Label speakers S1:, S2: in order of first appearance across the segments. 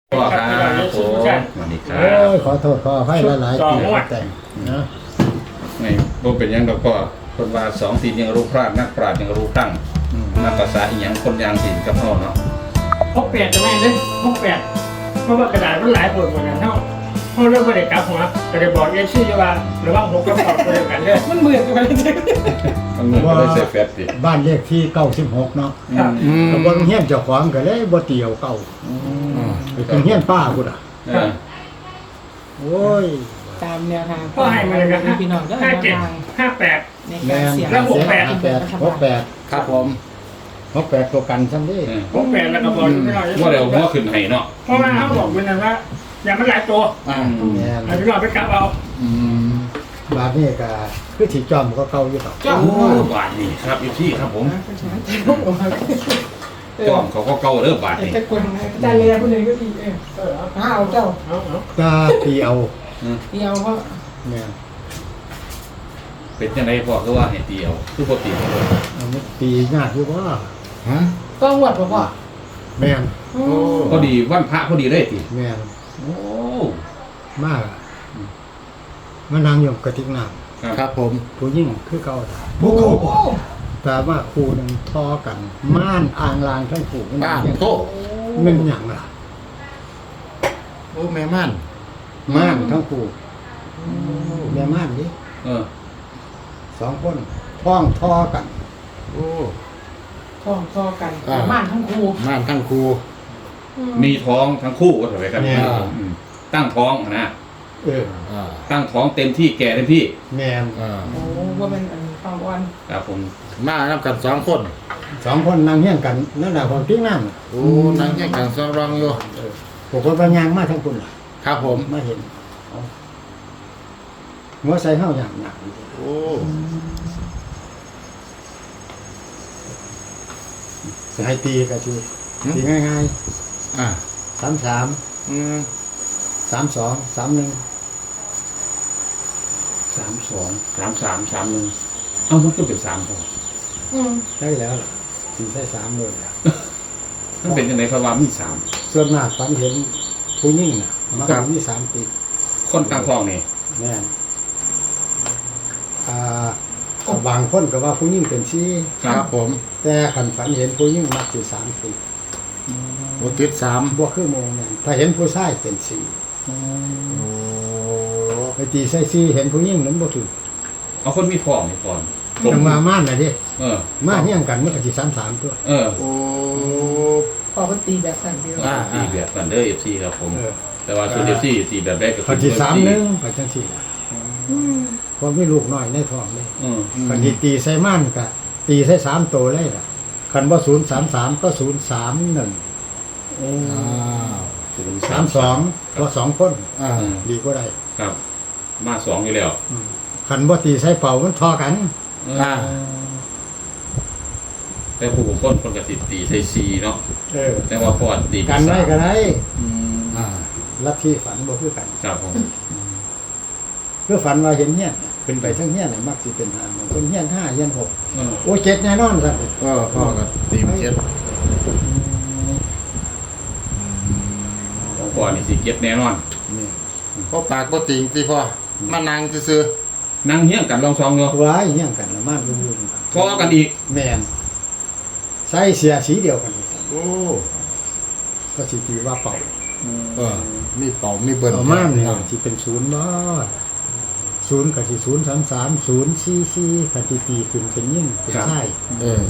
S1: พ่อครับผมสวัสดีครับ
S2: ขอโทษขอให้หลายๆปีแต่งนะ
S1: ไม่บ่เป็นหยังดอกพ่อคนว่าสองตีนยังรู้พลาดนักปราชญ์ยังรู้ตั้งนักภาษาอีหยังคนยางสินกับพ่อเนาะ
S3: พกแปดจะแม่เลยพกแปดเพราะว่ากระดาษมันหลายปวดหมดอย่างเท่าเขาเริ่มไม่ได้กลับหัวแต่ได้บอกเอชื่อว่าหรือว่าหกกับสองตัวเดียวกันเลยมันเหมือนกันเลยจริง
S1: มันเหมือนก็ได้ใส่แฟตดิ
S2: บ้านเลขที่96เนาะ
S3: ครับ
S2: ก็บ่เฮียนเจ้าของก็เลยบ่เตียวเก่าเป็นเฮียนป้าพุ่นอ่ะ
S1: เออ
S2: โอ้ย
S4: ตามแนวทาง
S3: ก็ให้มาเลยกัน
S4: พี่น้องก็
S3: ห้า
S4: แนว
S3: เจ็ด
S4: ทาง
S3: 58
S4: ใน
S2: แม่
S4: การ
S2: น
S4: เสี่ยง
S3: แล้ว
S2: 68
S5: ครับผม
S2: 68ตัวกันซั่นเด้
S3: พกแปดแล้วก็บอกไม่น้อย
S1: ว่าเดี๋ยวหัวขึ้นให้เนาะ
S3: เพราะว่าเขาบอกเป็นนั้นว่าอย่ามันหลายตัว
S5: อ่า
S2: แม่น
S3: เอาพี่น้องไปกลับเอา
S5: อืม
S2: บาดนี้ก็คือสิจอมก็เก่าอยู่ดอก
S4: จ้อง
S1: โอ้บาทนี่ครับอยู่ที่ครับผมจ้อมเขาก็เก่าเด้อบาทนี่
S4: จะกวนจานเรียคนหนึ่งก็ดีเอาเจ้า
S2: ตาเตียว
S4: เดียวก็
S2: แม่น
S1: เป็นจังไดพ่อคือว่าให้เตียวคือบ่ตีเลย
S2: เอามันตียากอยู่บ่
S5: ฮะ
S4: ก็หวดบอกว่า
S2: แม่น
S1: พอดีวันพระพอดีเลยติ
S2: แม่น
S1: โอ้
S2: มากมานั่งอยู่กระติกน้ำ
S5: ครับผม
S2: ผู้หญิงคือเก่า
S5: โอ้
S2: แต่ว่าครูนึงทอกันม่านอ่างลางทั้งคู่มัน
S5: บ้าน
S2: ยัง
S5: โทษ
S2: มันหยังล่ะ
S5: โอ้แม่ม่าน
S2: ม่านทั้งคู่แม่ม่านดิ
S1: เออ
S2: สองคนท้องทอกัน
S5: โอ้
S4: ท้องก็กันม่านทั้งคู่
S5: ม่านทั้งครู
S1: มีท้องทั้งคู่ว่าเถอะไปกัน
S2: แม่
S1: อืมตั้งท้องนะ
S2: เออ
S5: อ่า
S1: ตั้งท้องเต็มที่แก่เต็มที่
S2: แม่น
S5: อ่า
S4: โอ้ว่าเป็นความอ่อน
S1: ครับผม
S5: มานับกันสองคน
S2: สองคนนั่งเฮี้ยงกันนั่นแหละความทิ้งน้
S5: โอ้นั่งแยกกันสองรองอยู่
S2: ำปกติปัญญางมาทั้งคุณล่ะ
S5: ครับผม
S2: มาเห็นเอาหัวใส่เฮาอย่างหนัก
S5: โอ้
S2: จะให้ตีก็คือตีง่าย
S5: อ่า
S2: ๆ33
S5: อืม
S2: 32 31
S1: 32 33 31เอ้ามันก็เป็น3พอ
S2: ได้แล้วล่ะตีใส่3เลยล่ะ
S1: มันเป็นจังได๋เพราะว่ามีสาม
S2: ส่วนมากฝันเห็นผู้หญิงน่ะมันก็มี3ปี
S1: คนตั้งท้องนี่
S2: แม่นบางคนก็ว่าผู้หญิงเป็นชี้
S5: ครับผม
S2: แต่ขันฝันเห็นผู้หญิงมักสิ3ปี
S5: โอ้ติดสาม
S2: บ่คือโมงแม่นถ้าเห็นผู้ชายเป็น4
S5: โอ้
S2: ไปตีใส่4เห็นผู้หญิงนั้นบ่ถูก
S1: เอาคนมีท้องนี่ก่อน
S2: จังมาม่านน่ะเด้
S1: เออ
S2: มาเฮี้ยงกันมันก็สิ33ตัว
S1: เออ
S5: โอ้
S4: พอมันตีแบบสั่นเดียว
S1: ตีแบบกันเด้อ FC ครับผม
S2: เออ
S1: แต่ว่าส่วน FC ตีแบบแรกก็
S2: ก็สิ31ก็จังซี่ล่ะเพราะมีลูกน้อยในท้องเลย
S1: เออ
S2: คันสิตีใส่ม่านก็ตีใส่3ตัวเลยล่ะคันบ่033ก็031
S1: โอ้
S5: อ้าว
S2: 32ก็2คน
S5: อ่า
S2: ดีกว่าได้
S1: ครับ มาสองอยู่แล้ว
S2: คันบ่ตีใส่เป่ามันทอกัน
S5: อ่า
S1: แต่ผู้คนก็สิตีใส่4เนาะ
S2: เออ
S1: แต่ว่าพอตี
S2: กันไว้ก็ได้
S1: อืม
S5: อ่า
S2: ลัทธิฝันบ่คือกัน
S1: ครับผม
S2: คือฝันว่าเห็นเฮียนขึ้นไปทั้งเฮียนน่ะมักสิเป็น5บางคนเฮียน5เฮียน6
S1: เออ
S2: โอ้ย7แน่นอนซั่น
S5: ก็พ่อก็ตีมเจ็ด
S1: ของพ่อนี่สิเก็บแน่นอน
S2: นี่
S5: พ่อปากก็ติงที่พ่อมานั่งซื่อ
S1: นั่งเฮี้ยงกันลองซองอยู่
S2: ว้ายเฮียงกันละมานลุง
S1: พอกันอีก
S2: แม่นใส่เสียสีเดียวกันอีกซั่น
S5: ๆโอ้
S2: ก็สิตีว่าเป่า
S5: เออมีเป่ามีเบิ้ล
S2: เอามาเนี่ยสิเป็น0บ่0ก็สิ033 044คันสิตีขึ้นเป็นยิ่งเป็นชาย
S5: เออ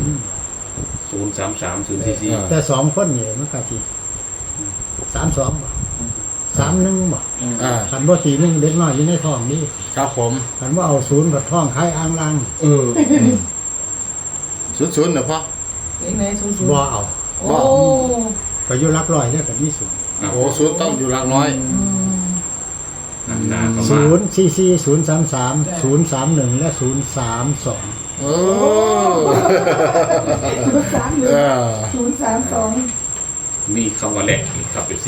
S1: 033 044
S2: แต่2คนนี่มันก็สิ32บ่31บ่
S5: อ่า
S2: คันบ่ตีหนึงเด็กน้อยอยู่ในท้องนี่
S5: ครับผม
S2: คันว่าเอา0กับท้องคล้ายอ่างลาง
S1: เออ
S5: ศูนย์เนอะพ่อ
S4: เองไหนศูนย์
S2: บ่เอา
S4: โอ้
S2: ก็อยู่หลักร้อยเนี่ยก็มี0
S5: โอ้ศูนย์ต้องอยู่หลักร้อย
S1: นานเข้ามา
S2: 044 033 031 และ 032
S5: โอ้
S4: 031
S5: เออ
S4: 032
S1: มีคำว่าแหลกอีกครับ FC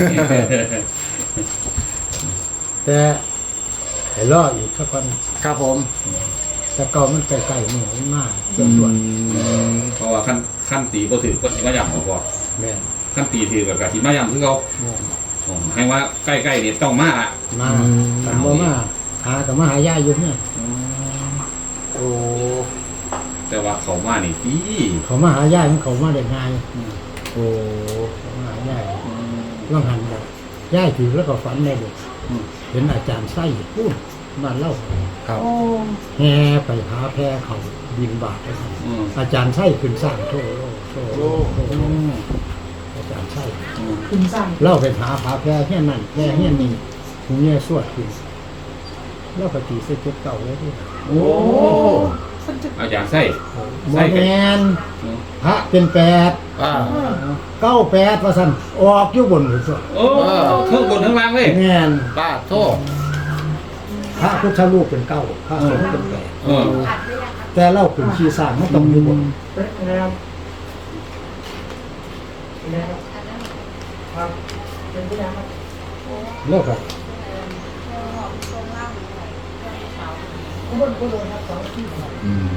S2: แต่ให้รออีกสักคน
S5: ครับผม
S2: แต่เก่ามันใกล้ๆมือมันมากเกินส่วน
S1: เพราะว่าขั้นตีบ่ถือก็สิมาย่ำบ่พอ
S2: แม่น
S1: ขั้นตีถือกับกะสิมาย่ำคือเขา
S2: แม่น
S1: ให้ว่าใกล้ๆนี่ต้องมาละ
S2: มาแต่บ่มาหากับมาหายายอยู่เนี่ย
S5: โอ้
S1: แต่ว่าเขามานี่ดี
S2: เขามาหายายมันเขามาได้ง่าย
S5: โอ้
S2: เขามาหายายว่างหันแบบยายถือแล้วก็ฝันได้เลยเห็นอาจารย์ไส้พูดบ้านเล่า
S5: ครับ
S4: โอ้
S2: แห่ไปหาแพรเขาบินบาทไปครับ อาจารย์ไส้ขึ้นสร้างโทอาจารย์ไส้
S4: คุณสั่ง
S2: เล่าไปหาผาแพรแค่นั้นแพรแค่นี้หูเนี่ยสวดขึ้นเล่าปฏิเสธเจ็บเก่าเลยที่
S1: โอ้
S4: มันจะ
S1: อาจารย์ไส้
S2: โมแมนพระเป็น8
S5: อ่า
S2: 98ว่าซั่นออกอยู่บนหัว
S1: โอ้เครื่องบนทั้งล่างเลย
S2: แม่น
S5: ป้าโทษ
S2: พระพุทธรูปเป็น9พระสงฆ์เป็น
S1: เออ
S2: 8แต่เล่าขึ้นขี้สร้างมันต้องอยู่บน
S3: แล้วแล้วครับเป็นผู้ยังครับ
S2: เลิกครับ
S3: ผู้โดนครับ2ที่ครับ
S5: อืม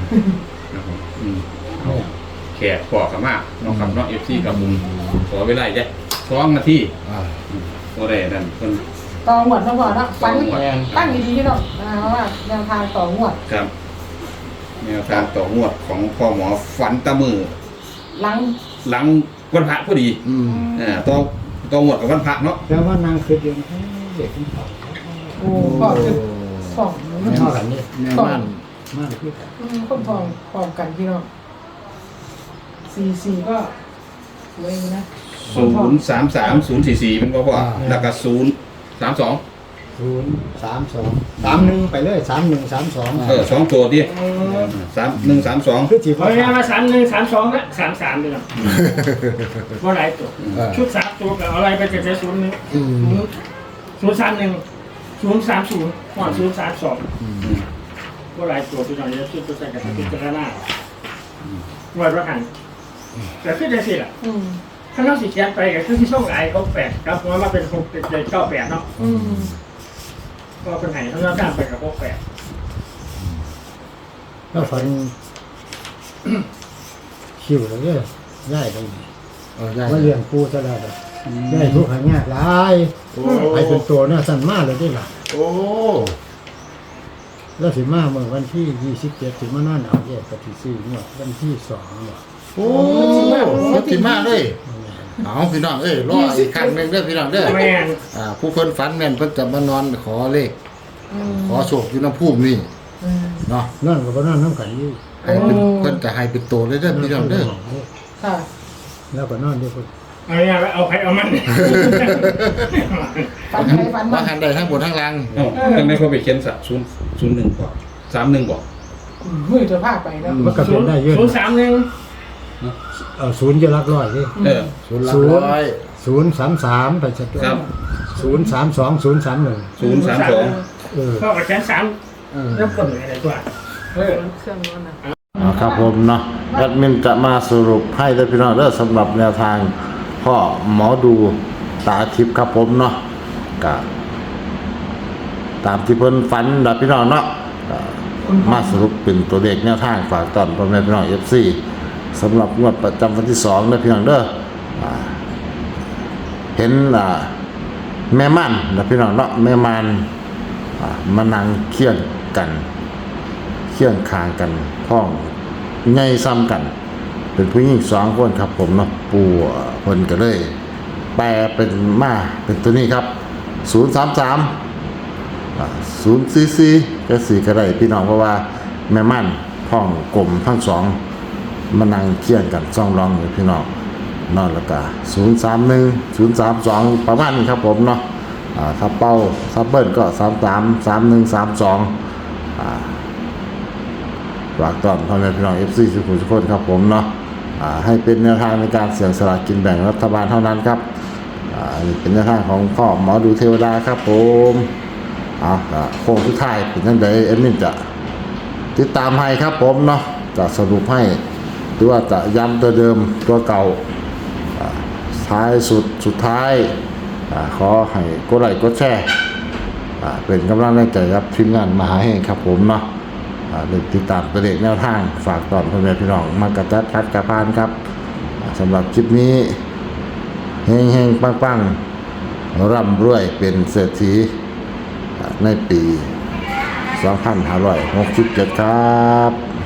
S1: แขกปอกกันมากน้องคำน้องFC กับมุมขอเวลาจะ2 นาที
S5: อ่า
S1: ก็ได้นั่นเพิ่น
S4: ต่อหมวดนะพ่อนะฟัน
S1: ต่อหมวด
S4: ตั้งดีๆเนาะเพราะว่าแนวทางต่อหมวด
S1: ครับแนวทางต่องวดของพ่อหมอฝันตะมือ
S4: หลัง
S1: หลังวันพระพอดี
S5: อืม
S1: ต้องงวดกับวันพระเนาะ
S2: แล้วว่านางคือเดียวเด็กขึ้นเขา
S4: โอ้พ่อคือสอง
S2: มันเท่ากันนี่
S5: แม่บ้าน
S2: มากที่กัน
S4: คนพร้อมกันพี่น้อง44ก็สวยอยู่นะ
S1: 033 044เป็นพ่อแล้วก็032
S2: 032 31ไปเลย3132
S1: 2ตัวดิ3132
S2: คือจี
S3: เอาง่ายๆมา3132ละ33เลยเนาะว่าหลายตัวชุด3ตัวกับอะไรไปเจ็ด0 1
S5: อืม
S3: 031 030ก่อน032ว่าหลายตัวพี่น้องจะชุดตัวใส่กับพิจารณาวัดว่าหันแต่ขึ้นได้สิล่ะ
S4: อืม
S3: ถ้าเราสิเขียนไปก็คือที่ช่องไอ้เขา8ครับว่ามาเป็น6เป็น98เนาะ
S4: อืม
S3: ก็เป็นไหนถ้าเราตามไปกับ68
S2: แล้วฝันคิวเลยง่ายไป
S5: ได้
S2: ว่าเลี้ยงปูซะแล้วง่ายทุกข์หายากหลาย
S5: โอ้
S2: ไปเป็นตัวเนี่ยสั่นมากเลยได้หล่ะ
S5: โอ้
S2: แล้วสิมาเมื่อวันที่27ถึงมานอนเอาแยกกับที่4งวดวันที่2เนี่ย
S5: โอ้รถที่มากเลยเอาพี่น้องรออีกครั้งหนึงเด้อพี่น้องเด้อ
S3: แม่น
S5: ผู้เพิ่นฝันแม่นเพิ่นจะมานอนขอเลข
S4: อืม
S5: ขอโชคอยู่น้ำพุ่มนี่
S4: อืม
S5: เนาะ
S2: นอนก็บ่นอนน้ำกันอยู่
S5: ให้เป็นเพิ่นจะให้เป็นโตเลยเด้อพี่น้องเด้อ
S4: ค่ะ
S2: แล้วก็นอนด้วยคน
S3: เอาง่ายๆว่าเอาใครเอามัน
S4: ฟันใครฟันมั
S5: ว่าน หันใดทั้งบนทั้งล่าง
S1: เอ้าจังได๋เขาไปเขียน01ก่อน31บ่
S4: มือจะพาไปแล้ว
S2: มันก็เป็นได้เยอะ
S3: 031
S2: ศูนย์จะรักร้อยดิ
S1: เออ
S5: ศูนย์หลักร้อย
S2: 033ไปชัด
S1: ครับ
S2: 032 031
S1: 032
S3: พ่อกับแขน3แล้วคนอะไรตัว
S4: เครื่องนอนนะ
S5: ครับผมเนาะแอดมินจะมาสรุปให้ได้พี่น้องเด้อสำหรับแนวทางพ่อหมอดูตาทิพย์ครับผมเนาะก็ตามที่เพิ่นฝันนะพี่น้องเนาะก็มาสรุปเป็นตัวเลขแนวทางฝากตอนพ่อแม่พี่น้อง FC สำหรับงวดประจำวันที่2นะพี่น้องเด้อเห็นแม่ม่านนะพี่น้องเนาะแม่ม่านมานั่งเคียงกันเคียงคางกันพ้องใหญ่ซ้ำกัน เป็นผู้หญิง2คนครับผมเนาะปู่เพิ่นก็เลยแปลเป็นมาเป็นตัวนี้ครับ033 044ก็4ก็ได้พี่น้องเพราะว่าแม่ม่านพ้องกลมทั้งสองมานั่งเคียงกันซ่องร้องอยู่พี่น้องนอนแล้วก็031 032ประมาณนี้ครับผมเนาะถ้าเป้าซับเบิ้ลก็33 31 32ฝากตอนพ่อแม่พี่น้อง FC ทุกคนครับผมเนาะให้เป็นแนวทางในการเสี่ยงสลากกินแบ่งรัฐบาลเท่านั้นครับนี่เป็นแนวทางของพ่อหมอดูเทวดาครับผมโค้งสุดท้ายเป็นจังได๋เอ็มมินจะติดตามให้ครับผมเนาะจะสรุปให้หรือว่าจะย้ำตัวเดิมตัวเก่าท้ายสุดท้ายขอให้กดไลค์กดแชร์เป็นกำลังใจครับทีมงานมหาเฮงครับผมเนาะติดตามตัวเลขแนวทางฝากตอนพ่อแม่พี่น้องมากระจัดคัดกระพานครับสำหรับคลิปนี้เฮงๆปังๆร่ำรวยเป็นเศรษฐีในปี 2567 ครับ